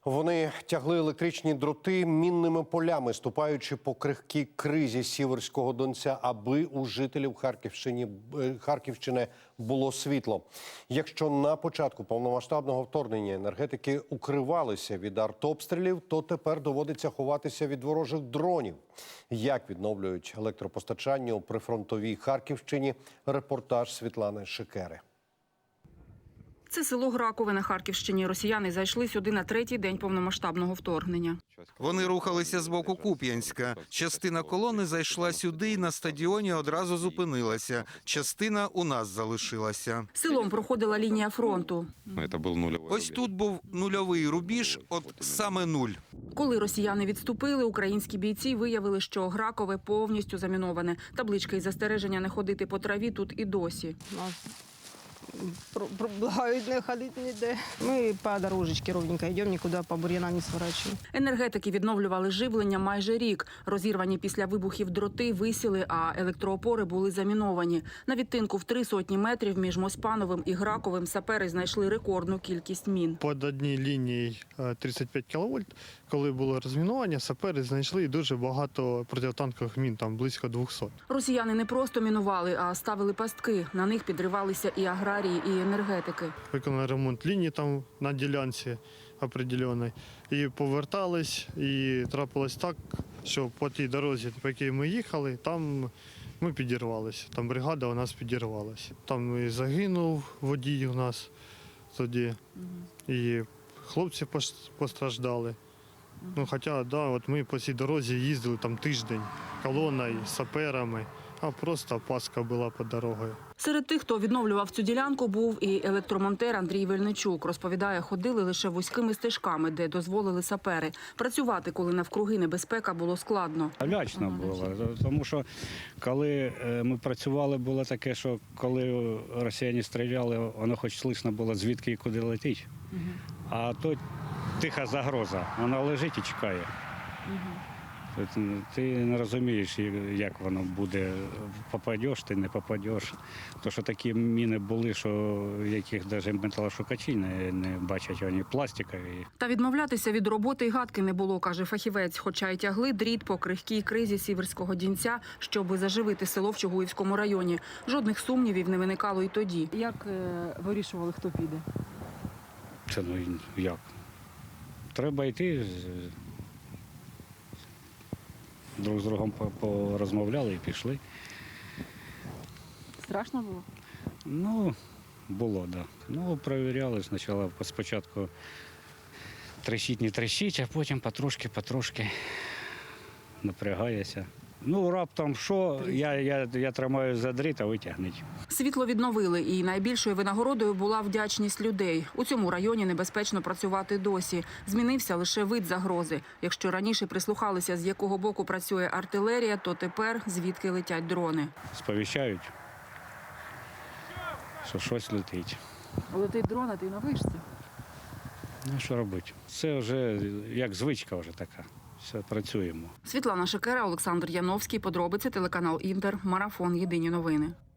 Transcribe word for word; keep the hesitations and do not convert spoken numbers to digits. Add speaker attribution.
Speaker 1: Вони тягли електричні дроти мінними полями, ступаючи по крихкій кризі Сіверського Донця, аби у жителів Харківщини, Харківщини було світло. Якщо на початку повномасштабного вторгнення енергетики укривалися від артобстрілів, то тепер доводиться ховатися від ворожих дронів. Як відновлюють електропостачання у прифронтовій Харківщині? Репортаж Світлани Шикери.
Speaker 2: Це село Гракове на Харківщині. Росіяни зайшли сюди на третій день повномасштабного вторгнення.
Speaker 3: Вони рухалися з боку Куп'янська. Частина колони зайшла сюди і на стадіоні одразу зупинилася. Частина у нас залишилася.
Speaker 2: Селом проходила лінія фронту.
Speaker 3: Ось тут був нульовий рубіж, от саме нуль.
Speaker 2: Коли росіяни відступили, українські бійці виявили, що Гракове повністю заміноване. Таблички із застереження не ходити по траві тут і досі.
Speaker 4: Благають не ходити ніде. Ми по дорожечці ровненько йдемо, нікуди по бур'янам не сворачуємо.
Speaker 2: Енергетики відновлювали живлення майже рік. Розірвані після вибухів дроти висіли, а електроопори були заміновані. На відтинку в три сотні метрів між Моспановим і Граковим сапери знайшли рекордну кількість мін.
Speaker 5: Під одній лінією тридцять п'ять кіловольт, коли було розмінування, сапери знайшли дуже багато протитанкових мін, там близько двохсот.
Speaker 2: Росіяни не просто мінували, а ставили пастки. На них підривалися і аграрії, і енергетики.
Speaker 5: Виконали ремонт лінії там на ділянці определеній. І повертались, і трапилось так, що по тій дорозі, по якій ми їхали, там ми підірвалися. Там бригада у нас підірвалася. Там і загинув водій у нас тоді, і хлопці постраждали. Ну, хоча, да, от ми по цій дорозі їздили там тиждень колоною, саперами, а просто паска була під дорогою.
Speaker 2: Серед тих, хто відновлював цю ділянку, був і електромонтер Андрій Вельничук. Розповідає, ходили лише вузькими стежками, де дозволили сапери. Працювати, коли навкруги небезпека, було складно.
Speaker 6: Лячно було, тому що коли ми працювали, було таке, що коли росіяни стріляли, воно хоч слышно було, звідки і куди летить. Угу. А то тиха загроза, вона лежить і чекає. Угу. Ти не розумієш, як воно буде, попадеш ти, не попадеш. Тому що такі міни були, що яких навіть металошукачі не, не бачать, вони пластикові.
Speaker 2: Та відмовлятися від роботи й гадки не було, каже фахівець, хоча й тягли дріт по крихкій кризі Сіверського Донця, щоб заживити село в Чугуївському районі. Жодних сумнівів не виникало й тоді.
Speaker 7: Як вирішували, хто піде?
Speaker 6: Це ну як? Треба йти. Друг з другом порозмовляли і пішли.
Speaker 7: Страшно було?
Speaker 6: Ну, було, так. Да. Ну, перевіряли спочатку, спочатку трещить, не трещить, а потім потрошки-потрошки напрягаєшся. Ну, раптом що, я, я, я тримаю за дріт, а витягнуть.
Speaker 2: Світло відновили, і найбільшою винагородою була вдячність людей. У цьому районі небезпечно працювати досі. Змінився лише вид загрози. Якщо раніше прислухалися, з якого боку працює артилерія, то тепер звідки летять дрони.
Speaker 6: Сповіщають, що щось летить.
Speaker 7: Летить дрон, а ти на вишці?
Speaker 6: Ну, що робити? Це вже як звичка вже така. Все, працюємо.
Speaker 2: Світлана Шикера, Олександр Яновський. Подробиці, телеканал Інтер. Марафон. Єдині новини.